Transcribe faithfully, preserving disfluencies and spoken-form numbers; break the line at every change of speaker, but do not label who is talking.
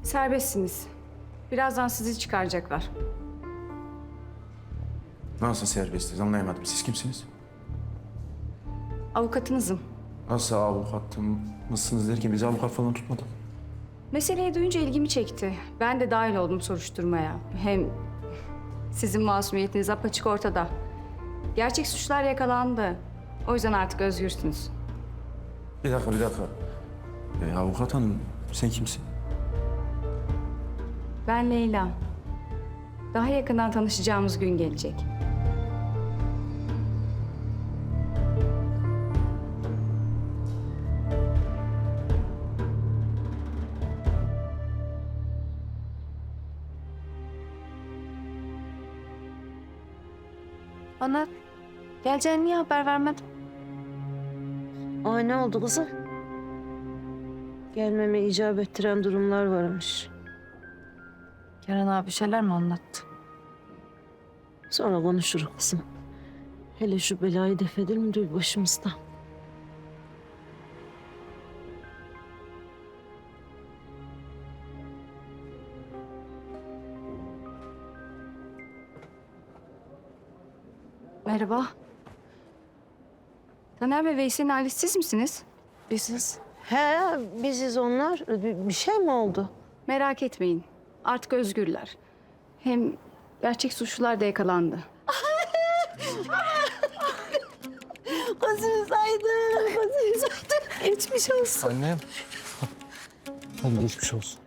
Serbestsiniz. Birazdan sizi çıkaracaklar.
Nasıl serbestiz anlayamadım. Siz kimsiniz?
Avukatınızım.
Nasıl avukatım mısınız derken bizi avukat falan tutmadı.
Meseleyi duyunca ilgimi çekti. Ben de dahil oldum soruşturmaya. Hem sizin masumiyetiniz apaçık ortada. Gerçek suçlar yakalandı. O yüzden artık özgürsünüz.
Bir dakika bir dakika. E, avukat hanım sen kimsin?
Ben Leyla. Daha yakından tanışacağımız gün gelecek.
Bana geleceğini niye haber vermedin?
Ay ne oldu kızım? Gelmeme icap ettiren durumlar varmış.
Kerem abi bir şeyler mi anlattı?
Sonra konuşuruz kızım. Hele şu belayı def edelim de başımızdan.
Merhaba. Taner ve Veysel'in ailesi siz misiniz?
Biziz.
He biziz onlar. Bir, bir şey mi oldu?
Merak etmeyin. Artık özgürler. Hem gerçek suçlular da yakalandı.
Gözümüz aydın, gözümüz aydın. Geçmiş olsun.
Annem. Hadi geçmiş olsun.